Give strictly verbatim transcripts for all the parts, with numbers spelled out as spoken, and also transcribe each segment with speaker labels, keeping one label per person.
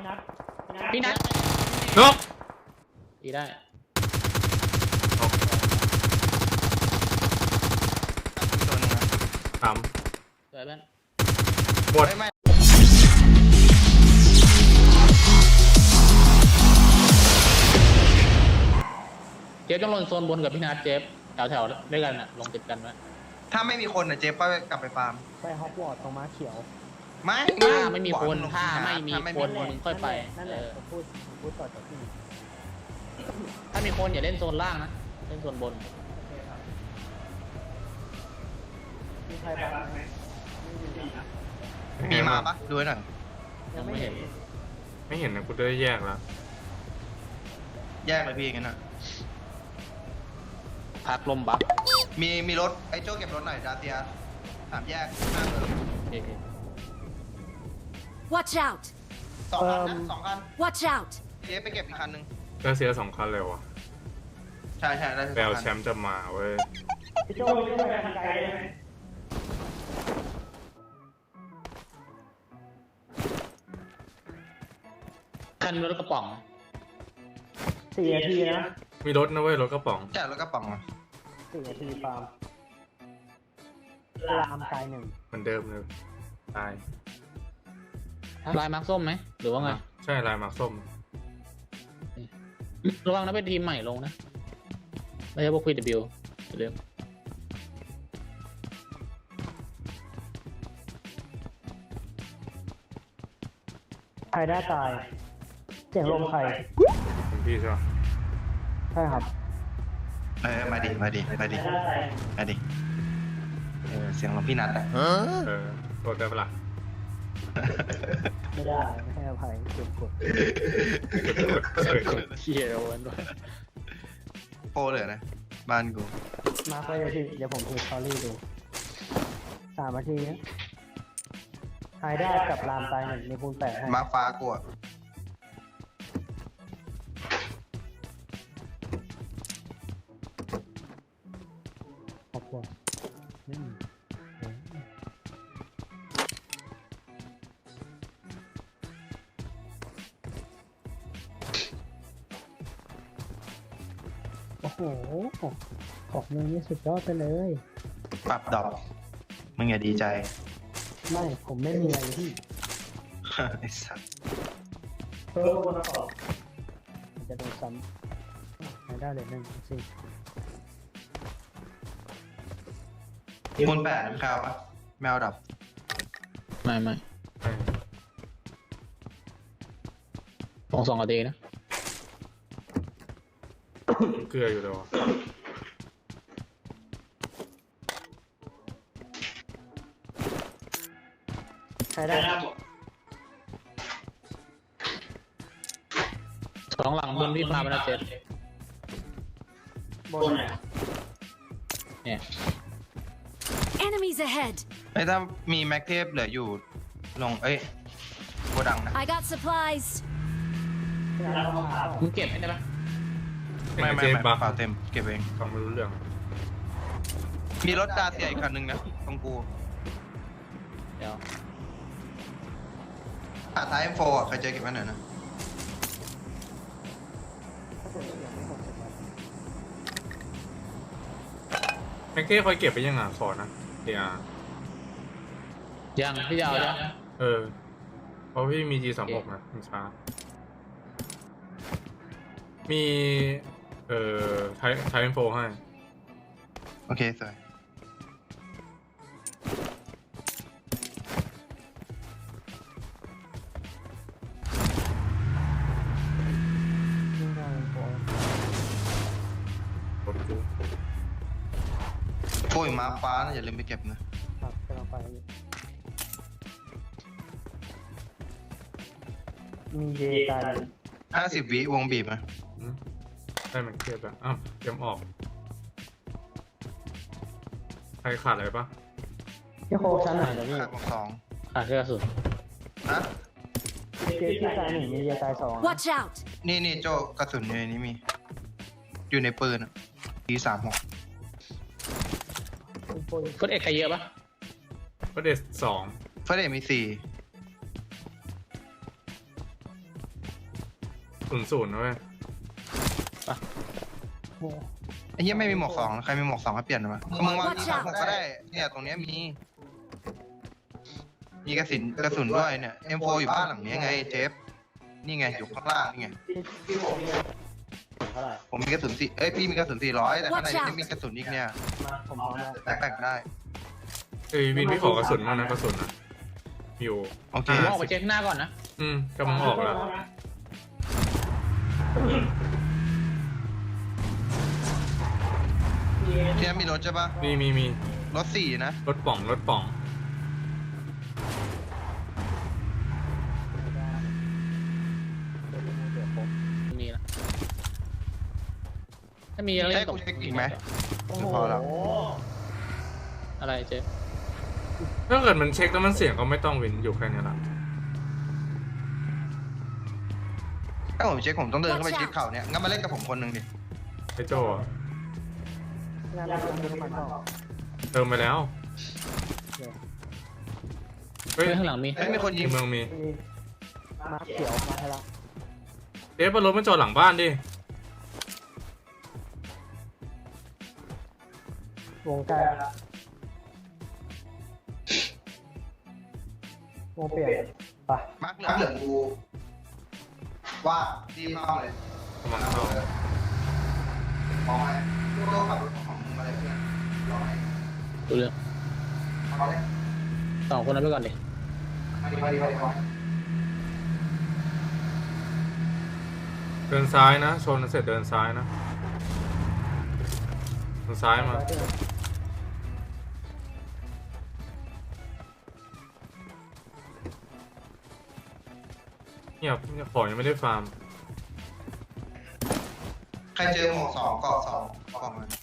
Speaker 1: พี่นัท
Speaker 2: นก
Speaker 1: ดีได้
Speaker 3: ตัวนึงนะ
Speaker 2: ถาม
Speaker 1: สวยบ้าน
Speaker 2: หมด
Speaker 3: ไม่
Speaker 1: เจฟต้องลงโซนบนกับพี่นัทเจฟแถวแถวด้วยกันน่ะลงติดกันไหม
Speaker 3: ถ้าไม่มีคนอ่ะเจ๊ก็กลับไปฟาร์ม
Speaker 4: ไปฮอกวอตส์ตรงม้าเขียว
Speaker 3: ไม่
Speaker 1: ถ้าไม่มีคน
Speaker 3: หวัง
Speaker 1: ถ้าไม่มี
Speaker 3: ถ้าไม่
Speaker 1: ค
Speaker 3: มี
Speaker 1: นมึงค่อยไป
Speaker 4: นั่นแห
Speaker 1: เอ
Speaker 4: ละ
Speaker 1: อ
Speaker 4: ผมพูดผมพูดต่อจากพี่
Speaker 1: ถ้ามีคนอย่าเล่นโซนล่างนะเล่นโซนบน
Speaker 4: มีใครบ้างไหม
Speaker 3: มีมาปะดูให้หน่อย
Speaker 1: ยังไม่เห็น
Speaker 2: ไม่เห็นนะกูได้แยกแล้ว
Speaker 3: แยกเลยพี่งั้นอ่ะ
Speaker 1: พักลมบัฟ
Speaker 3: มีมีรถไอ้โจ้เก็บรถหน่อยดาเซียสามแยกหน้าเติม
Speaker 1: โอเค
Speaker 5: Watch out!
Speaker 3: สองคันนะสองคัน
Speaker 5: Watch out!
Speaker 3: เจ๊ไปเก็บอีกคันนึง
Speaker 2: ก็เสียสองคันเลยวะ
Speaker 3: ใช่ใช่ได้
Speaker 2: แปล
Speaker 3: สอง
Speaker 2: แช
Speaker 3: คัน
Speaker 2: มป์จะมาเว้ย
Speaker 4: พี่โจ้พี่โจ้ไปทางไกลได้ไหม
Speaker 1: คันรถกระป๋อง
Speaker 4: สี่นาทีนะ
Speaker 2: มีรถนะเว้ยรถกระป๋อง
Speaker 3: ใช่แล้วก็ป๋องอ่ะ
Speaker 4: สี่นาทีฟาร์มรามตายหนึ่ง
Speaker 2: เหมือนเดิมเลยตาย
Speaker 1: ลายมาร์คส้มไหมหรือว่าไง
Speaker 2: ใช่ลายหมากส้ม
Speaker 1: ระวังนะเป็นทีมใหม่ลงนะไม่ใช่พวกควีดบิวเรื่อง
Speaker 4: ใครได้ตาย เสียงลมใคร
Speaker 2: เป็นพี่ใช่ปะ
Speaker 4: ใช่ครับ
Speaker 3: เออมาดิมาดิมาดิมาดิเออเสียงของพี่นัทอ่ะ
Speaker 2: เออโทษได้ปะล่ะ
Speaker 4: ไม่ได้ไม่ให้อภัยเก็บกด
Speaker 1: เขียโดนด้วย
Speaker 3: โปรเลยนะบ้านกู
Speaker 4: มาร์คไว้เลยพี่เดี๋ยวผมดูสตอรี่ดูสามนาทีนะใครได้กับรามตายหนึ่งในคูณแปดให้
Speaker 3: มาฟ้ากูอ่ะ
Speaker 4: ขอบคุณอืมโอ้โหของมึงนี่สุดยอดไปเลย
Speaker 3: ปรับดอกมึงอย่าดีใจ
Speaker 4: ไม่ ผมไม่มีอะไรที่
Speaker 3: ไอ้สัส
Speaker 4: เพิ่มวนต่อมันจะโดนซ้ำไม่ได้เลยหนึ่งสิ
Speaker 3: คูณแปดแมวปะแมวดับ
Speaker 1: ไม่ไม่
Speaker 2: เออ
Speaker 1: ลงสองนาทีนะ
Speaker 2: เกลืออยู่เลยวะ
Speaker 4: ใครได้
Speaker 1: สองหลังบนพี่พาไปแล้วเจ็ด
Speaker 4: บน
Speaker 1: เนี่ย
Speaker 5: Enemies ahead!
Speaker 3: ไอ้ยถ้ามีแม็กเทปเหลืออยู่ลงเอ้ยโกดังนะ
Speaker 5: I got supplies!
Speaker 1: มึงเก็บให้ได้ปะ
Speaker 3: ไม่ไม่
Speaker 2: เจ๊
Speaker 3: ไม่
Speaker 2: บัก
Speaker 3: เปล่าเต็มเก็บเอง
Speaker 2: ฟังไม่รู้เรื่อง
Speaker 3: มีรถดาเซียอีกคันนึงนะตรงกู
Speaker 1: เดี๋ยว
Speaker 3: อ่ะท้าย เอ็ม โฟร์ อ่ะเคยเจอเก็บไว้หน่อยนะ
Speaker 2: แม็กเก้คอยเก็บไปยังอ่ะขอนะเดี๋ยว
Speaker 1: ยังพี่จะเอายัง
Speaker 2: เออเพราะพี่มี จี สามสิบหกนะมันช้ามีเอ่อไทไทเอ็นโฟให้
Speaker 3: โอเคสวย
Speaker 4: ไม่ได้บอล
Speaker 2: รถกู
Speaker 3: โอ้ยม้าฟ้านะอย่าลืมไปเก็บนะครับ
Speaker 4: กำลังไปอยู่มีเยตาย
Speaker 3: ห้าสิบวิวงบีบนะ
Speaker 2: อืมได้แม็กเก้แล้วอ้าวเตรียมออกใครขาดอะไรปะ
Speaker 4: พี่โคชั้นไหนนะพี่
Speaker 3: ขาดบอกสอง
Speaker 1: ขาดแค่กระสุน
Speaker 3: นะ
Speaker 4: เจที่ตายหนึ่งมีเยตายสอง
Speaker 5: Watch out!
Speaker 3: นี่นี่โจกระสุนอยู่ในนี้มี อยู่ในปืนอ่ะ ที สามสิบหก
Speaker 1: กดเอกใครเยอะปะ
Speaker 2: ก็เดสสอง
Speaker 3: เฟรเดมีสี่
Speaker 2: ศูนย์ศูนย์นะเว้ย
Speaker 4: โอ้
Speaker 3: ไอ้เหี้ยไม่มีหมวกสองใครมีหมวกสองให้เปลี่ยนหน่อยก็มึงวางที่สามหมวกก็ได้เนี่ยตรงเนี้ยมีมีกระสุนกระสุนด้วยเนี่ย เอ็ม โฟร์ อยู่บ้านหลังนี้ไงเจฟนี่ไงอยู่ข้างล่างนี่ไง
Speaker 4: พี่พี่ผมมีเท่าไหร่
Speaker 3: ผมมีกระสุนสี่เอ้ยพี่มีกระสุนสี่ร้อยแต่ข้างใน
Speaker 5: Watch out
Speaker 3: นี่มีกระสุนอีกเนี่ย
Speaker 4: มาผมพร้อมแล้ว
Speaker 3: แตกๆได้
Speaker 2: เอ้ยวินพี่ขอกระสุนมากนะกระสุนนะอยู่
Speaker 3: โอเค
Speaker 1: ผมออกไปเช็คหน้าก่อนนะ
Speaker 2: อืมกำลังออกแล้ว
Speaker 3: ที่นั่นมีรถใช่ปะ
Speaker 2: มีมีมี
Speaker 3: รถสี่นะ
Speaker 2: รถป่องรถป่อง
Speaker 1: มีนะถ้ามีอะไร
Speaker 3: ให้กูเช็คอีกไหม
Speaker 4: โอ้โห
Speaker 3: พอแล้ว
Speaker 1: อะไรเจ๊
Speaker 2: ถ้าเกิดมันเช็คแล้วมันเสียงก็ไม่ต้องวินอยู่แค่นี้ละ
Speaker 3: ถ้าผมเช็คผมต้องเดินเข้าไปชิดเขาเนี่ยงั้นมาเล่นกับผมคนหนึ่งดิ
Speaker 2: ไอ้โจ้อะ
Speaker 4: งานมันมีน้ำมันเปล่า
Speaker 2: เติมไปแล้วเฮ้ย
Speaker 1: เฮ้ยข้างหลังมี
Speaker 3: เฮ้ยมีคน
Speaker 2: ใน
Speaker 3: ยิง
Speaker 2: เมืองมี
Speaker 4: มีมาเขียวมาให้ละ
Speaker 2: เอ๊ะรถมันจอดหลังบ้านดิ
Speaker 4: วงใกล้ละวงเปลี่ยนไป
Speaker 3: มาร์คเหลืองเหลืองกูว่าดีมากเลย
Speaker 2: กำลังเข้า
Speaker 3: มองไปโจ้ขับรถของมึงมาเลยเพื่อนรอให้
Speaker 1: ดูเรื่อง
Speaker 3: เอาเลย
Speaker 1: สองคนนั้นไปก่อนดิ
Speaker 3: มาดีมาดีมาดีมาดี
Speaker 2: เดินซ้ายนะชนเสร็จเดินซ้ายนะเดินซ้ายมาเงียบเงียบของยังไม่ได้ฟาร์ม
Speaker 3: ใครเจอหมวกสองเกาะสองกล่องมัน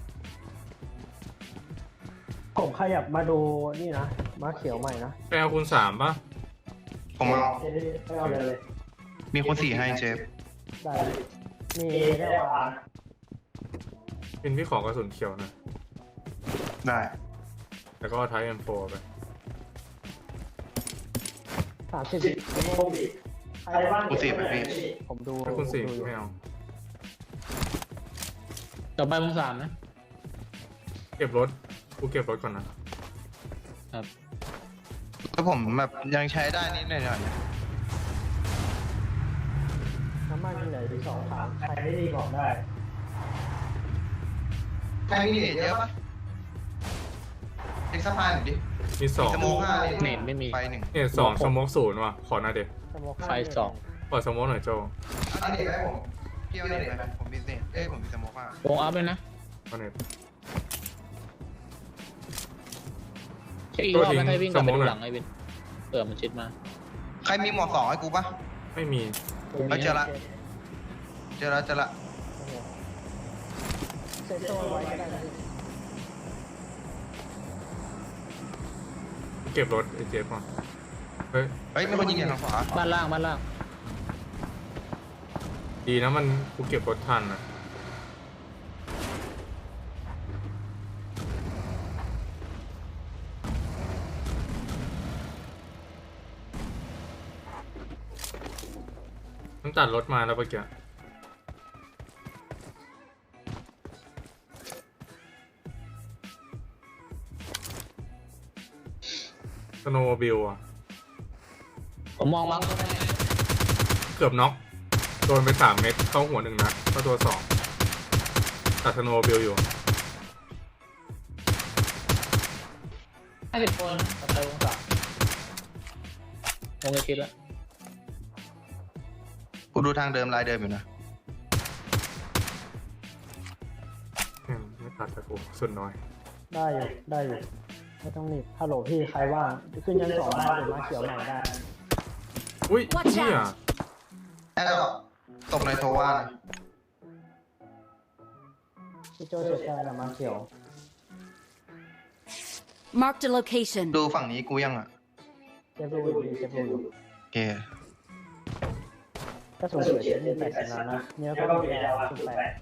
Speaker 4: ผมขยับมาดูนี่นะมาเขียวใหม่นะ
Speaker 2: ไปเอาคูณสามป่ะ
Speaker 3: ผมเอา
Speaker 4: เจ๊ไปเอาเลยเลย
Speaker 3: มีคนสี่ให้เจฟ
Speaker 4: ได้เลยมีได้เอาอ่าน
Speaker 2: วินพี่ขอกระสุนเขียวหนะ
Speaker 3: ได้
Speaker 2: แล้วก็เอาไทย เอ็ม โฟร์ ไป
Speaker 4: สามสิบผมใครบ้าง
Speaker 3: กูสี่ไปพี่
Speaker 4: ผมดู
Speaker 2: ถ้าคุณสี่
Speaker 4: ผมดูอยู่
Speaker 2: ไม่เอา
Speaker 1: ต่อไปวงสามนะ
Speaker 2: เก็บรถกูเก็บรถก่อนนะ
Speaker 1: ครับ
Speaker 3: แล้วผมแบบยังใช้ได้นิดหน่อย
Speaker 4: น้ำมันมีเหลืออยู่สองถังใครไม่ดีบอกได้
Speaker 3: ใครมีเหรียญเยอะปะเอ็กซ์สปายหน่อยดิ
Speaker 2: มีสอง
Speaker 3: สโมกห้า
Speaker 1: เน็ตไม่มี
Speaker 3: ไฟหนึ่ง
Speaker 2: เนี่ยสองสโมกศูนย์ว่ะขอหน่อยเด็ก
Speaker 4: สโมก
Speaker 1: ไฟสอง
Speaker 2: ขอสโมกหน่อยโจ
Speaker 3: เอาเน็ตให้ผมพี่เอาเน็ตไปผมมีเน็ตเอ้ยผมมีสโมกห้าว
Speaker 1: งอัพเลยนะ
Speaker 2: ขอเน็ต
Speaker 1: เช็คอีกรอบแล้วให้วิ่งกลับไป
Speaker 2: สมมุติ
Speaker 1: ดู
Speaker 2: อะ
Speaker 1: หลังไอ้วินเผื่อมันชิดมา
Speaker 3: ใครมีหมวกสองให้กูปะ
Speaker 2: ไม่มี
Speaker 3: ไม่เจอละ เจอละเจอละ
Speaker 4: เซ็ตตัวไว้ก็ได้นะ
Speaker 2: เก็บรถไอ้เจฟก่อนเฮ้ย
Speaker 3: เฮ้ยมีคนยิงอย่างทางขวา
Speaker 1: บ้านล่างบ้านล่าง
Speaker 2: ดีนะมันกูเก็บรถทันนะมันตัดรถมาแล้วเมื่อกี้สโนว์บิลอะ
Speaker 1: ผมมองมั้ง
Speaker 2: เกือบน็อกโดนไปสามเม็ดเข้าหัวหนึ่งนัดเข้าตัวสองตัดสโนว์บิลอยู่
Speaker 1: ห้าสิบคนต่อไปวงสามวงจะชิดแล้ว
Speaker 3: กูดูทางเดิมลายเดิมอยู่นะ
Speaker 2: แม่งไม่ตัดแต่กูสุดน้อย
Speaker 4: ได้อยู่ได้อยู่ไม่ต้องรีบฮัลโหลพี่ใครว่างขึ้นชั้นสองได้หรือมาเขียวใหม่ได้
Speaker 2: อุ้ย
Speaker 5: Watch
Speaker 2: เนี่ย
Speaker 5: out
Speaker 3: แอร์ดรอปตกในโทว่านะ
Speaker 4: พี่โจเช็คได้แล้วมาเขียว
Speaker 5: Marked a location.
Speaker 3: ดูฝั่งนี้กูยังอ่ะ
Speaker 4: เจ็บดูอยู่ดีเจ็บดูอยู่
Speaker 3: โอเค
Speaker 4: ก็สูงเสียเจ็บมีแปดสิบนัดนะเนื้อก็มีแล้วสิบแปด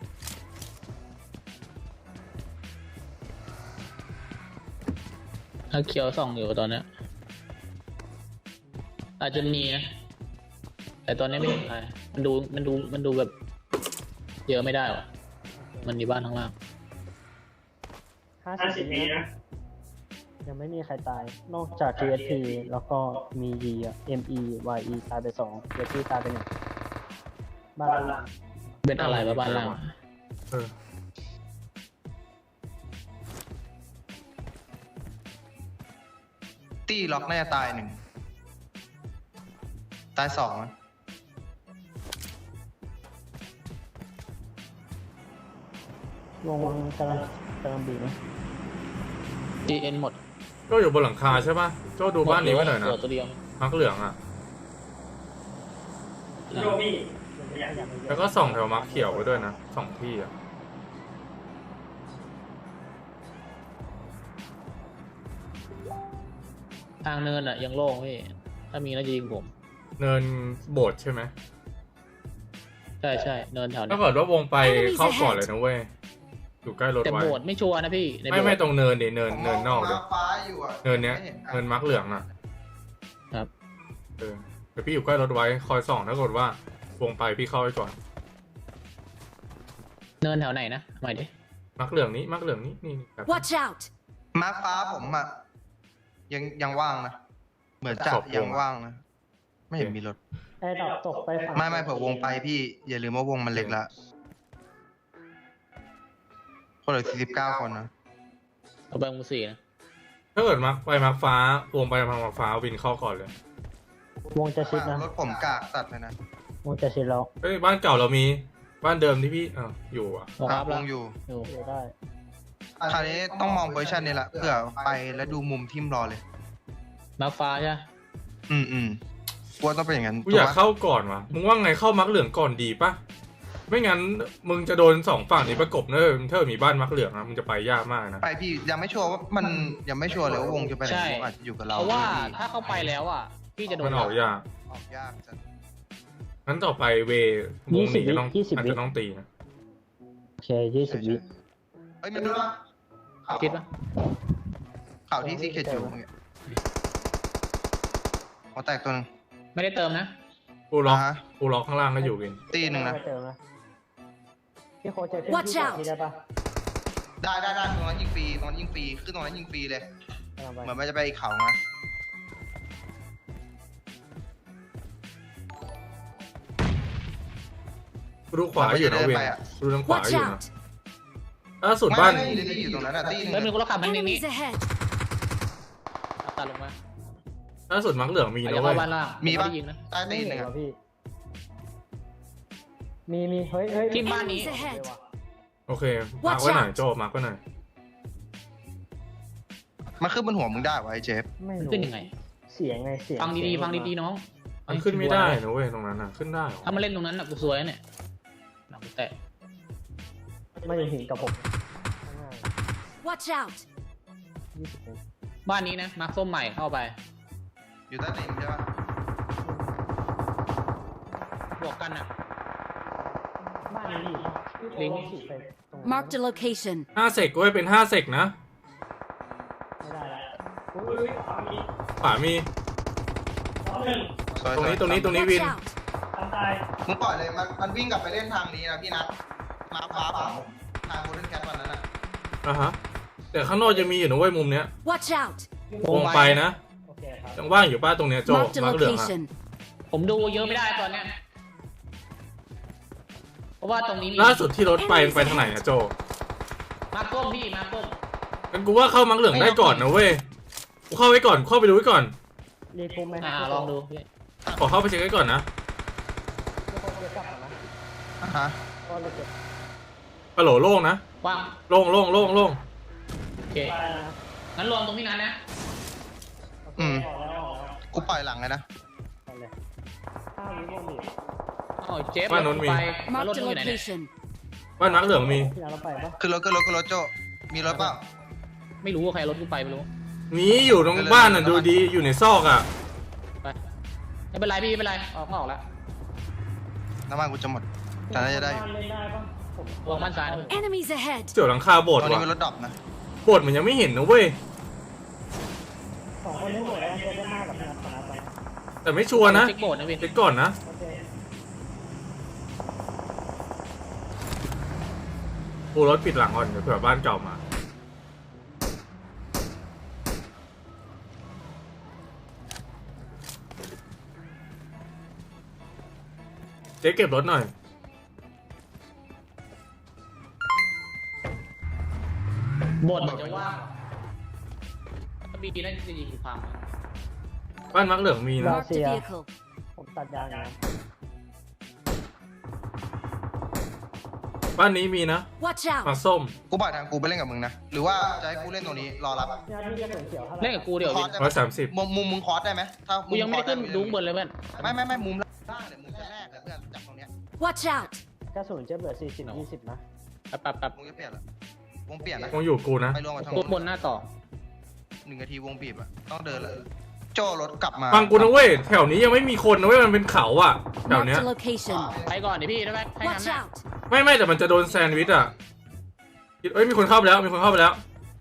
Speaker 1: ถ้าเขียวส่องอยู่ตอนเนี้ยอาจจะมีนะแต่แต่ตอนนี้ไม่เห็นใครมันดูมันดูมันดูแบบเยอะไม่ได้วะมันมีบ้านข้างล่าง
Speaker 4: ห้าสิบวินะยังไม่มีใครตาย นอกจาก ที เอส พี แล้วก็มี E อ่ะ เอ็ม อี วาย อี ตายไปสอง ที เอส พี ตายไปหนึ่งบ้านล่าง
Speaker 1: เป็นอะไรวะบ้านล่าง
Speaker 2: เออ
Speaker 3: ตี้ล็อกน่าจะตายหนึ่งตายสองอะ
Speaker 4: วงกำลังกำลังบีบนะ
Speaker 1: จีเอ็นหมด
Speaker 2: ก็อยู่บนหลังคาใช่ป่ะโจ้ดูบ้านนี้ไว้หน่อยนะ
Speaker 1: เหลืตัวเดียว
Speaker 2: มักเหลืองอ่ะ แล้วก็ส่องแถวมักเขียวไว้ด้วยนะสองที่อ่ะ
Speaker 1: ทางเนินอ่ะยังโล่งพี่ถ้ามีน่าจะยิงผม
Speaker 2: เนินโบสถ์ใช่ไหม
Speaker 1: ใช่ใช่เนินแถวนี้
Speaker 2: ถ้าเกิดว่าวงไปเข้าก่อนเลยนะเว้ยอยู่ใกล้รถ
Speaker 1: แต่
Speaker 2: ไว้
Speaker 1: โบดไม่ชัวร์นะพี่ใน
Speaker 2: ไม่
Speaker 1: โบ
Speaker 2: ไม่
Speaker 1: สถ์
Speaker 2: ตรงเนินดิเนินเนินนอก
Speaker 3: ผม
Speaker 2: ดิ
Speaker 3: มงฟ้าอยู่อะ
Speaker 2: เนินเนี้ย
Speaker 3: ไม่ห็
Speaker 2: เนินมักเหลืองอ่ะ
Speaker 1: ครับ
Speaker 2: เออเดี๋ยวพี่อยู่ใกล้รถไว้คอยส่องถ้าเกิดว่าวงไปพี่เข้าไปก่อน
Speaker 1: เนินแถวไหนนะหมายดิ
Speaker 2: มักเหลืองนี้มักเหลืองนี้นี่ครับ
Speaker 5: Watch out!
Speaker 3: มาร์คฟ้าผมอะยังยังว่างนะ เหมือนจะ
Speaker 2: ขอบวง
Speaker 3: ยังว่างนะ ไม่เห็นมีรถ
Speaker 4: ไอ้ดอกตกไปฝั่ง
Speaker 3: ไม่ไม่เผื่อวงไปพี่ อย่าลืมว่าวงมันเล็กละคนเหลือสี่สิบเก้าคนนะ
Speaker 1: เอาไปมือสี่นะ
Speaker 2: ถ้าเกิดมักไปมักฟ้าวงไปทางมักฟ้าวินเข้าก่อนเลย
Speaker 4: วงจะชิดนะ
Speaker 3: รถผมกากสัตว์เลยนะ
Speaker 4: วงจะชิดแล้ว
Speaker 2: เอ้ยบ้านเก่าเรามีบ้านเดิมที่พี่เอออยู่อ่ะ
Speaker 1: มอง
Speaker 3: ค
Speaker 1: อั
Speaker 3: รับ
Speaker 1: พ
Speaker 3: ว
Speaker 1: แล้ว
Speaker 3: งอยู่
Speaker 1: อยู่
Speaker 4: เดี๋ยวได้
Speaker 3: คราวนี้ต้องมองโพซิชันนี้ละเพื่อไปแล้วดูมุมทิมรอเลย
Speaker 1: มาฟ้าใช่ไหม
Speaker 3: อืมอืมกลัวต้องเป็นอย่างนั้น
Speaker 2: กูอยาก
Speaker 3: ถูปะ
Speaker 2: เข้าก่อนวะมึงว่าไงเข้ามักเหลืองก่อนดีปะไม่งั้นมึงจะโดนสองฝั่งนี้ประกบเนอะถ้ามีบ้านมักเหลืองนะมึงจะไปยากมากนะ
Speaker 3: ไปพี่ยังไม่ชัวร์ว่ามันยังไม่ชัวร์เลยว่าวงจะไปไหนวงอาจจะอยู่กับเรา
Speaker 1: เพราะว่า
Speaker 3: พี่
Speaker 1: ถ้าเข้าไปแล้วอ่ะพี่จะโด
Speaker 2: มันนออกยาก
Speaker 3: ออกยากจัด
Speaker 2: งั้นต่อไปเววงนี้จะต้องอาจจะต้องตีนะ
Speaker 4: โอเคยี่สิบวิ
Speaker 3: เฮ้ยมันรู้ปะ
Speaker 1: คิดปะ
Speaker 3: ข่าวที่ซีเคจูเมื่อกี้หัวแตกตัวหนึง
Speaker 1: ไม่ได้เติมนะ
Speaker 2: กูล็อก
Speaker 3: อ่าฮะ
Speaker 2: กูล็อกข้างล่างก็อยู่วิน
Speaker 3: ตีหนึ่งนะ
Speaker 4: ไม่เจอนะพี่โคชจะขึ้น
Speaker 5: Watch
Speaker 4: ที่
Speaker 5: out
Speaker 4: ที่ได้ปะ
Speaker 3: ได้ได้ได้ตรงนั้นยิงฟรีตรงนั้นยิงฟรีขึ้นตรงนั้นยิงฟรีเลย
Speaker 4: กำลังไป
Speaker 3: เหมือนมันจะไปอีกเขานะ
Speaker 2: กูดูขวาอยู่นะเวนกูดูทางขวา
Speaker 5: Watch
Speaker 2: อยู่นะ
Speaker 5: out!
Speaker 2: ล่าสุด
Speaker 3: ไม่
Speaker 2: บ้าน
Speaker 3: ไม่ไม่ได้อยู่ตรงนั้นอะตีหนึ่ง
Speaker 1: เฮ้ยมีคนรถขับมันนี้นี้
Speaker 5: Enemies ahead!
Speaker 1: ตัดลงมา
Speaker 2: ล่าสุดมักเหลืองมี
Speaker 1: อาจ
Speaker 2: นะ
Speaker 1: จะ
Speaker 2: เว้
Speaker 1: เข้าย บ้านล่าง
Speaker 3: มีปะ
Speaker 1: ไได้ยิงนะ
Speaker 3: ใต้
Speaker 4: ไม่
Speaker 3: ตีห
Speaker 4: เห็
Speaker 3: นึ่
Speaker 4: น
Speaker 3: ง
Speaker 4: เหร
Speaker 3: อะ
Speaker 4: อพี่ มีมีเฮ้ยเฮ้ย
Speaker 1: ที่บ้านนี้
Speaker 5: Enemies ahead!
Speaker 2: โอเคมาร์กไว้หน่อยโจมาร์กไว้หน่อย
Speaker 3: มันขึ้นบนหัวมึงได้วะไอ้เจฟ
Speaker 4: ไม่รู้
Speaker 1: ขึ้นยังไง
Speaker 4: เสียงไงเสียง
Speaker 1: ฟังดีๆฟังดีๆน้อง
Speaker 2: มันขึ้นไม่ได้นะเว้ยตรงนั้นอ่ะขึ้นได้เหรอ
Speaker 1: ถ้ามาเล่นตรงนั้นน่ะกูสวยนะเนี่ยหนังกูแตะ
Speaker 4: ไม่ได้ถึงกับผมข้างหน้า
Speaker 5: Watch out!
Speaker 4: ยี่สิบเอ็ด
Speaker 1: บ้านนี้นะมาร์คส้มใหม่เข้าไป
Speaker 3: อยู่ใต้ตีนใช่ปะ
Speaker 1: บวกกันอ่ะ
Speaker 4: บ้านนี้ดิ
Speaker 1: ลิงก์
Speaker 4: ฉีดไปตรงนั้น
Speaker 5: Marked a location.
Speaker 2: ห้าเซกเว้ยเป็นห้าเซกนะ
Speaker 4: ไม่ได้ละอุ๊ย
Speaker 2: ขวามี
Speaker 3: สวย
Speaker 2: ตรงนี้
Speaker 3: สวย
Speaker 2: ตรงนี้ตรงนี้
Speaker 5: Watch
Speaker 2: วิน
Speaker 5: out!
Speaker 3: มึงปล่อยเลยมันมันวิ่งกลับไปเล่นทางนี้นะพี่นัทมาฟ้าเปล่าทางโกลเด้นแคทวันนั้นอะ
Speaker 2: อ่ะฮะแต่ข้างนอกจะมีอยู่นะเว้ยมุมเนี้ย
Speaker 5: Watch out!
Speaker 2: วงไปนะ
Speaker 4: โอเคครับ
Speaker 2: ยังว่างอยู่ป้าตรงเนี้ยโจ
Speaker 5: Marked a
Speaker 2: มักเหลืองอะ
Speaker 5: location.
Speaker 1: ผมดูเยอะไม่ได้ตอนเนี้ยเพราะว่าตรงนี้มี
Speaker 2: ล่าสุดที่รถไปไปทางไหนอะโจ
Speaker 1: มาร์คส้มพี่มาร์คส้ม
Speaker 2: งั้นกูว่าเข้ามักเหลืองได้ก่อนนะเว้ยกูเข้าไว้ก่อนเข้าไปดูไว้ก่อน
Speaker 4: รีภูมิไหม
Speaker 1: อ่าลองดูพี่
Speaker 2: ขอเข้าไปเช็คไว้ก่อนนะ
Speaker 4: เดี๋ยวผมจะกลับก่อนนะ
Speaker 3: อ่ะฮะ
Speaker 4: ก็เลยเก็บ
Speaker 2: ปะโหลโล่งนะ
Speaker 1: ว่าง
Speaker 2: โล่งโล่งโล่งโล่ง
Speaker 1: โอเค
Speaker 4: ไปนะ
Speaker 1: งั้นรวมตรงนี้นั้นนะ
Speaker 4: โอเค
Speaker 3: อืม
Speaker 4: ออกแล้วออกแล้ว
Speaker 3: กูปล่อยหลังเลยนะ
Speaker 4: ไปเลยห้าวิวงบีบ
Speaker 1: อ๋อเจฟแล้วไปแล้วรถ
Speaker 5: Marked
Speaker 1: มึ
Speaker 5: a
Speaker 1: งอยู่ไหนเนี่ย
Speaker 5: location.
Speaker 2: บ้านมักเหลืองมี
Speaker 4: พี่นัทเราไปปะ
Speaker 3: ขึ้นรถขึ้นรถขึ้นรถโจมีรถเปล่า
Speaker 1: ไม่รู้ว่าใครรถกูไปไม่รู้
Speaker 2: มีอยู่ตรงบ้านอ่ะดูดีอยู่ในซอกอ่ะ
Speaker 1: ไปไม่เป็นไรพี่ไม่เป็นไรออกก็ออกแล้ว
Speaker 3: น้ำมันกูจะหมด แต่น่าจะได้อยู่
Speaker 4: บ้นเล่นได้ปะผม
Speaker 1: วางบ้านซ้ายนะพี่
Speaker 5: Enemies ahead!
Speaker 2: เสี่ยวหลังคาโบ
Speaker 3: ต
Speaker 2: สถ์
Speaker 3: รงนี้
Speaker 2: ว่ะ
Speaker 3: มีรถดรอปนะ
Speaker 2: โบสถ์มันยังไม่เห็นนะเว้ย
Speaker 4: สองคนเล่นหมดแล้วจะได้มากกับพี่นัทชนะไป
Speaker 2: แต่ไม่ชัวร์นะ
Speaker 1: เช็คโบดนะพี่
Speaker 2: เช็คก่อนนะ
Speaker 4: โอเค
Speaker 2: กูรถปิดหลังก่อนเดี๋ยวเผื่อบ้านเก่ามาเจ๊เก็บรถหน่อย
Speaker 1: บทมันจะว่างก็มีนั่นจะยิงพัง
Speaker 2: บ้านมักเหลืองมีนะ
Speaker 5: Marked a vehicle.
Speaker 4: ผมตัดยางนะ
Speaker 2: บ้านนี้มีนะ
Speaker 5: Watch
Speaker 2: มั
Speaker 5: out!
Speaker 2: กส้ม
Speaker 3: กูปล่อยทางกูไปเล่นกับมึงนะหรือว่าจะให้กูเล่นตรงนี้รอรับ
Speaker 4: พี่นัทพี่จะเขียวเท่าไหร่
Speaker 1: เล่นกับกูเดี๋ยว
Speaker 3: คอ
Speaker 1: วิ
Speaker 3: ร์
Speaker 1: น
Speaker 3: สได้
Speaker 2: ร้
Speaker 3: ไหม
Speaker 2: อยสามสิบ
Speaker 3: มุมมุมมึงคอร์สได้ไหมถ้า
Speaker 1: กูยังไม่ได้ขึ้นดูข้างบนเลยเพื่อน
Speaker 3: ไม่ไม่ไม่มุมล่างเลยมุมชั้นแรกเลยเพื่อนจากตรงเนี้ย
Speaker 5: Watch out!
Speaker 4: กระสุนจะเหลือสี่สิบยี่สิบนะ
Speaker 1: แป๊บแป๊บแป๊บ
Speaker 3: วงจะเปลี่ยนละวงเปลี่ยนนะ
Speaker 2: คงอยู่กูนะ
Speaker 3: ไปรวมกับทาง
Speaker 1: ตัวบนหน้าต่อ
Speaker 3: หนึ่งนาทีวงบีบอะต้องเดินเลยโจรถกลับมา
Speaker 2: ฟังกูนะเว้ยแถวนี้ยังไม่มีคนนะเว้ยมันเป็นเขาอะแถว
Speaker 5: Marked
Speaker 2: เนี้ย
Speaker 5: a location.
Speaker 1: ไปก่อนดิพี่ได้ไหมให้งั้น
Speaker 5: Watch
Speaker 1: นะ
Speaker 5: out!
Speaker 2: ไม่ไม่แต่มันจะโดนแซนด์วิชอะเอ้ยมีคนเข้าไปแล้วมีคนเข้าไปแล้ว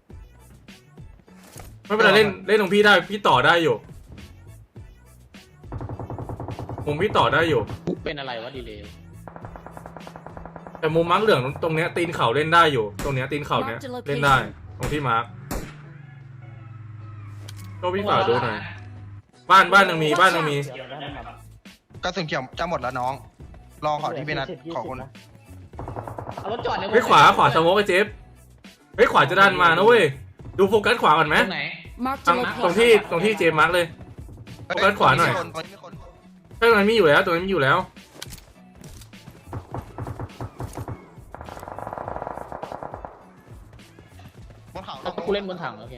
Speaker 2: ไม่เป็นไรเล่นเล่นตรงพี่ได้พี่ต่อได้อยู่มุมพี่ต่อได้อยู่
Speaker 1: เป็นอะไรวะดีเลย
Speaker 2: แต่มุมมาร์กเหลืองตรงเนี้ยตีนเขาเล่นได้อยู่ ตรงเนี้ยตีนเขาเนี้ย
Speaker 5: Mark the location
Speaker 2: เล่นได้ตรงที่มาร์กก็พี่ฝากดูหน่อยบ้านบ้านยังมีบ้านยังมี
Speaker 4: เขียวได้ไหมครับ
Speaker 3: กระสุนเขียวจะหมดแล้วน้องรอขอที่พี่นัทขอคน
Speaker 4: นะ
Speaker 1: เอารถจอดใน
Speaker 2: เฮ้ยขวาขวาสโมกไอ้เจฟเฮ้ยขวาจะดันมานะเว้ยดูโฟกัสขวาก่อนไหม
Speaker 1: ตรงไหน
Speaker 5: Marked
Speaker 2: ตร
Speaker 5: a
Speaker 2: งตรงที่
Speaker 5: location.
Speaker 2: ตรงที่เจฟมาร์กเลย โฟกัสขวาหน่อย
Speaker 3: ตรงนี้มีคน
Speaker 2: ใช่ตรงนั้นมีอยู่แล้วตรงนั้นมีอยู่แล้ว
Speaker 3: บนเขา
Speaker 1: ถ้ากูเล่นบนถังโอเค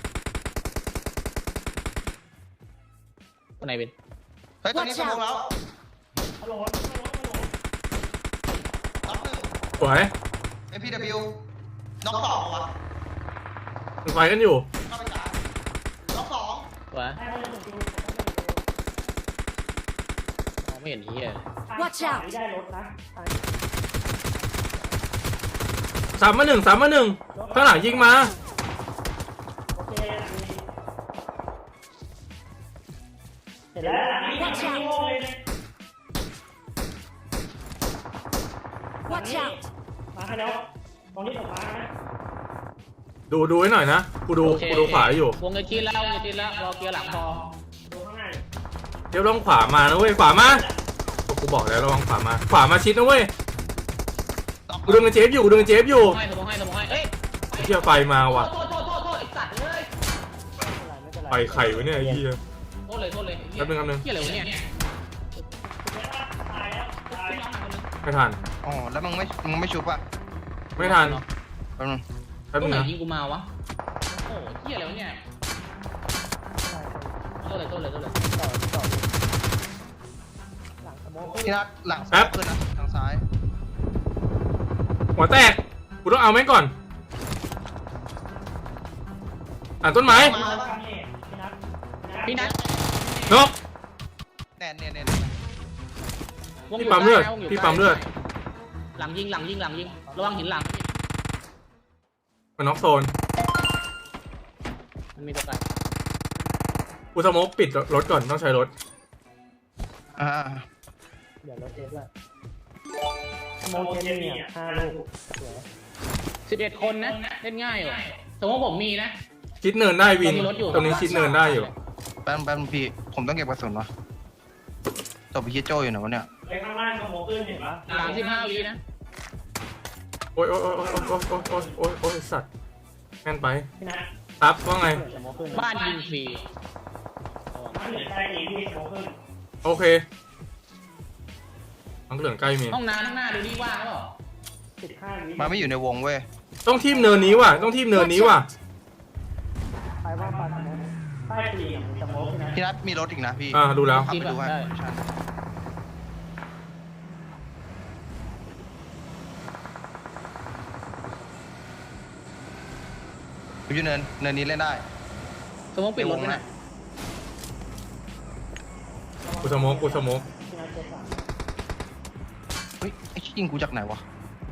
Speaker 1: ตรงไหนเป็น
Speaker 3: เฮ้ยตอนนี้สมองแล้วน็อกหนึ่ง
Speaker 2: สวย
Speaker 3: เอ็มพีดับเบิลยูน็อกสองวะ
Speaker 2: มันไฟกันอยู่
Speaker 3: เข้าไปสามน็อกสอง
Speaker 1: วะมองไม่เห็นเฮีย
Speaker 5: Watch out!
Speaker 4: ได้รถนะ
Speaker 2: สามมาหนึ่งสามมาหนึ่งข้างหลังยิงมา
Speaker 4: โอเคเห็นแล้ว
Speaker 5: Watch out! Watch out!
Speaker 4: มาให้แล้วตรงนี้ผมมานะ
Speaker 2: ดูดูให้หน่อยนะกูดู
Speaker 1: โอเค
Speaker 2: กูดูขวาอยู่
Speaker 1: วงเงินจีนแล้ววงเงินจีนแล้วรอเกียร์หลังพอ
Speaker 4: ดูข้างหน้า
Speaker 2: เจฟลองขวามานะเว้ยขวามากูบอกแล้วระวังขวามาขวามาชิดนะเว้ย
Speaker 3: น็อก
Speaker 2: กูดึงกับเจฟอยู่กูดึงกับเจฟอยู่
Speaker 1: ให้สมองให้สมองให้เอ้ย
Speaker 2: เฮียไฟมาว่ะ
Speaker 1: โทษโทษโทษโทษไอ้สัตว์เลย
Speaker 4: ไม่เป็นไร
Speaker 2: ไฟไข่วะเนี่ยไอ้เฮีย
Speaker 1: โทษเลยโทษเลย
Speaker 2: แป๊บนึงแป๊บนึง
Speaker 1: เฮียอะไรวะเนี่ย
Speaker 2: ไม่ทัน
Speaker 3: อ๋อแล้วมึงไม่มึงไม่ชุบอ่ะ
Speaker 2: ไม่ทัน
Speaker 3: แป๊บนึง
Speaker 2: แป๊บ
Speaker 1: ตร
Speaker 2: นึ
Speaker 1: ง
Speaker 2: ง
Speaker 1: ไหน
Speaker 2: นะ
Speaker 1: ยิงกูมาวะโอ้เฮียอะไรวะเนี่ยโทษเลยโทษเลยโทษเลย
Speaker 4: ต่อต่อหลังสโมก
Speaker 3: พี่นัทหลังซ้ายขึ้นนะทางซ้าย
Speaker 2: หัวแตกกูต้องเอาแม่งก่อนอ่านต้นไม้
Speaker 3: มาแล้ว
Speaker 1: พี่นัท
Speaker 2: นก
Speaker 3: แน่นเนี่ยเนี่ย
Speaker 1: วง
Speaker 2: พี่
Speaker 1: ยู่
Speaker 2: ปั๊มเลือด
Speaker 1: ใกนะวงยู่
Speaker 2: พี่ปั๊มเลือด
Speaker 1: หลังยิงหลังยิงหลังยิงระวังหินหลัง
Speaker 2: มันน็อกโซน
Speaker 1: มันมีตัวไกล
Speaker 2: กูสโมกปิดรถก่อนต้องใช้รถ
Speaker 3: อ่า
Speaker 4: เดี๋ยวรถเทสละสโมกเทสเนี่ยห้าลูกสวย
Speaker 1: สิบเอ็ดคนนะเล่นง่ายอยู่สมมติผมมีนะ
Speaker 2: ชิดเนินได้วิน
Speaker 1: เรามีรถอยู่
Speaker 2: ตรงนี้ชิดเนินได้อยู่
Speaker 3: แป๊บแป๊บพี่ผมต้องเก็บกระสุนวะตบไปคิดโจอยู่ไหนวะเนี่ย
Speaker 4: ไปข้างล่างสโมกขึ้นเห็นปะ
Speaker 1: สามสิบห้าวินะ
Speaker 2: โอ้ยโอ้ยโอ้ยโอ้ยโอ้ยโอ้ยโอ้ยโอ้ยโอ้ยสัตว์แม่นไป
Speaker 4: พี่นัท
Speaker 2: ครับว่าไง
Speaker 4: สโมกขึ้น
Speaker 1: บ้านยิงฟรี
Speaker 4: บ้านเหลือใต้นี้พี่สโมกขึ้น
Speaker 2: โอเคมังเหลืองใกล้มี
Speaker 1: ห้องน้ำข้างหน้าดูนี่ว่างหรือเปล่า
Speaker 4: สิบห้าวิ
Speaker 3: มาไม่อยู่ในวงเว้ย
Speaker 2: ต้องทีมเนินนี้ว่ะต้องทีมเนินนี้ว่ะ
Speaker 4: ไปว่าปลาสโมกใต้ตีนสโมกพี่นัท
Speaker 3: พี่นัทมีรถอีกนะพี่
Speaker 2: อ่าดูแล้ว
Speaker 3: ขับไปดูให้ใช่อยู่เนินเนินนี้เล่นได้
Speaker 1: สมมติปิดรถไว้หน่อย
Speaker 2: กูสโมกกูสโมก
Speaker 4: พี่นัทเจ็ดสาม
Speaker 3: เฮ้ยไอ้ชิยิงกูจากไหนวะ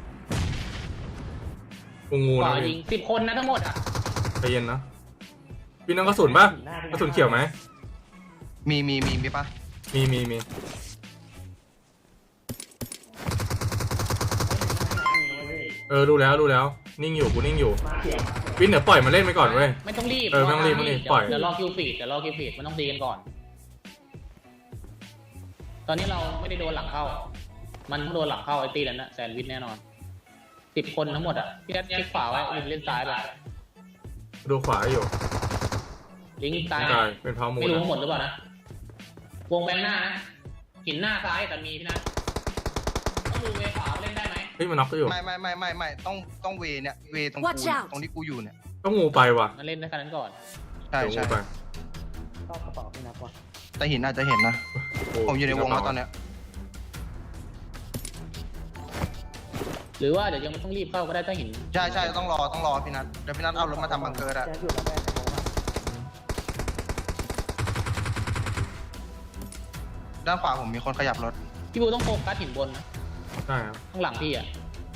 Speaker 2: กูงู
Speaker 1: ข
Speaker 2: นะ
Speaker 1: วายิงสิบคนนะทั้งหมดอ่ะ
Speaker 2: ใจเย็นนะพี่น้องกระสุนป่ะกระสุนเขียวไหม
Speaker 3: มีมีมีมีปะ
Speaker 2: มีมีมี
Speaker 4: มี
Speaker 2: เออรู้แล้วรู้แล้วนิ่งอยู่กูนิ่งอยู่
Speaker 4: มาเขียน
Speaker 2: วินเดี๋ยวปล่อยมันเล่นไปก่อนเว้ย
Speaker 1: ไม่ต้องรีบ
Speaker 2: เออไม่ต้องรีบไม่ต้องรีบปล่อย
Speaker 1: เดี๋ยวรอคิวฟีดเดี๋ยวรอคิวฟีดมันต้องตีกันก่อน ตอนนี้เราไม่ได้โดนหลังเข้า มันโดนหลังเข้าไอ้ตีแล้วนะแซนด์วิชแน่นอนสิบคนทั้งหมดอ่ะพี่นัทคลิกขวาไว้ลิงเล่นซ้ายไป
Speaker 2: ดูขวาอยู่
Speaker 1: ลิงซ้าย
Speaker 2: ใช่เป็นพาวมู
Speaker 1: ไม่
Speaker 2: น
Speaker 1: รู้หมดหรือเปล่านะวงแบงหน้านะหินหน้าซ้ายแต่มีพี่นัทต้องดูเวขวาเล่นได้ไหม
Speaker 2: เฮ้ยมันน็อกก็อยู่
Speaker 3: ไม่ไม่ไม่ไม่ไม่ต้องต้องเวเนี่ยเวตรงกู
Speaker 5: Watch out
Speaker 3: ตรงที่กูอยู่เนี่ย
Speaker 2: ต้องงูไปว่ะ
Speaker 1: มันเล่นได้แค่นั้นก่อน
Speaker 3: ใช่
Speaker 2: เดี๋ยว
Speaker 3: ใช่
Speaker 2: งูไป
Speaker 4: เข้ากระเป๋าพี่นับวะ
Speaker 3: แต่หินอาจจะเห็นนะ
Speaker 2: โอ้
Speaker 3: ผมอยู่ในวงแล้วตอนเนี้ย
Speaker 1: หรือว่าเดี๋ยวยังไม่ต้องรีบเข้าก็ได้ถ้าหิน
Speaker 3: ใช่ใช่ต้องรอต้องรอพี่นัทเดี๋ยวพี่นัทเอารถมาทำบังเกอร์อะ
Speaker 4: แจ๊คอยู่ระแวกโค้งอะ
Speaker 3: ด้านขวาผมมีคนขยับรถ
Speaker 1: พี่บูต้องโฟกัสหินบนนะ
Speaker 2: ใช่ครับ
Speaker 1: ข้างหลังพี่อ่ะ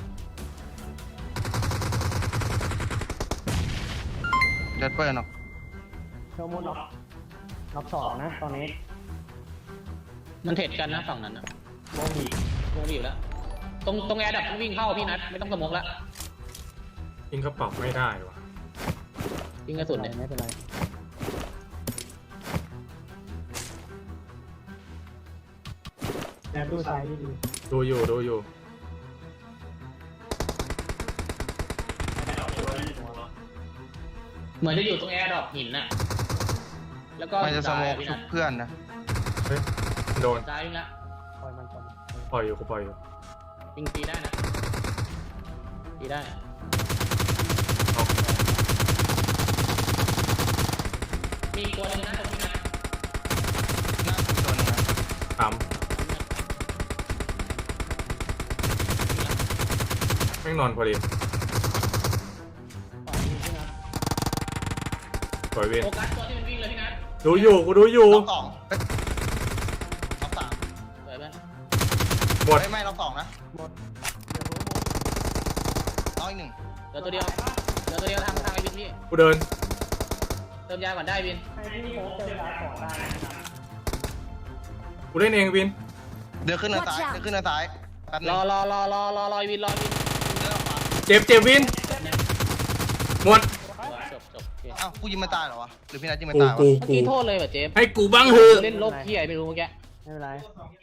Speaker 3: เดดเปิลเนาะ
Speaker 4: เทอร์โมน็อกน็อกสองนะตอนนี้
Speaker 1: มันเทรดกันนะฝั่งนั้นนะ
Speaker 4: โมงดี
Speaker 1: วงดีอยู่แล้วตรงตรงแอร์ดับวิ่งเข้าพี่นัทไม่ต้องสมองละ
Speaker 2: ยิงกระเป๋าไม่ได้ว่ะ
Speaker 1: ยิงกระสุนเนี่ย
Speaker 4: ไม่เป็นไรแอบดูซ้ายดี
Speaker 2: ดูอยู่ดูอยู่
Speaker 1: เหมือนจะอยู่ตรงแอร์ดรอปหินน่ะแล้วก็
Speaker 3: มันจะสโมก
Speaker 1: พี่
Speaker 3: ชุ
Speaker 1: นั
Speaker 3: บ
Speaker 1: ท
Speaker 3: เพื่อนนะ
Speaker 2: เฮ้ยโดน
Speaker 1: ซ้ายวิ่งละ
Speaker 4: ๆปล่อยมันก่อน
Speaker 2: ปล่อยอยู่กูปล่อยอยู่
Speaker 1: ยิงตีได้นะตีได้
Speaker 2: เอา
Speaker 1: มีอีกตัวหนึงนะตรงนี้นะ
Speaker 3: หน้าคุณโดนนะ
Speaker 2: ถามแม่งนอนพอดี
Speaker 4: ต่อดีพี่นับ
Speaker 2: ปล่อยเวน
Speaker 1: โฟกัสตัวที่มันวิ่งเลยพี่นัท
Speaker 2: ดูอยู่กูดูอยู่
Speaker 3: รอบสองเอ้ยรอบสาม
Speaker 1: สวยไหม
Speaker 2: หมด
Speaker 3: ไม่ไม่รอบสองนะ
Speaker 4: หมดเดี๋ยวรู้หมด
Speaker 3: น้อยหนึ่ง
Speaker 1: เหลือตัวเดียวเหลือตัวเดียวทางทางไอ้วินพี่
Speaker 2: กูเดิน
Speaker 1: เติมยาก่อนได้วิน
Speaker 4: ให้พี่โค้งเจอร้านก่อนได้นะครับ
Speaker 2: กูเล่นเองวิน
Speaker 3: เดินขึ้นเนินซ้าย
Speaker 5: Watch out
Speaker 3: เดินขึ้นเนินซ้ายแป๊บนึ
Speaker 1: รง อรอรอรอรอรอไอ้วินรอไอ้วิน
Speaker 3: เดินออกมา
Speaker 2: เจ็บเจ็บวินหมด
Speaker 1: จบจบโอเค
Speaker 3: อ้าวกูยิงมันตายเหรอวะหรือพี่นัทยิงมัน
Speaker 2: กู
Speaker 3: ตายวะ
Speaker 2: กู
Speaker 1: เมื่อ
Speaker 2: กู
Speaker 1: กี้โทษเลยว่ะเจฟ
Speaker 2: ให้กูบ้างเถอะ
Speaker 1: เล่นโลกเฮียไม่รู้เมื่อกี้
Speaker 4: ไม่เป็นไร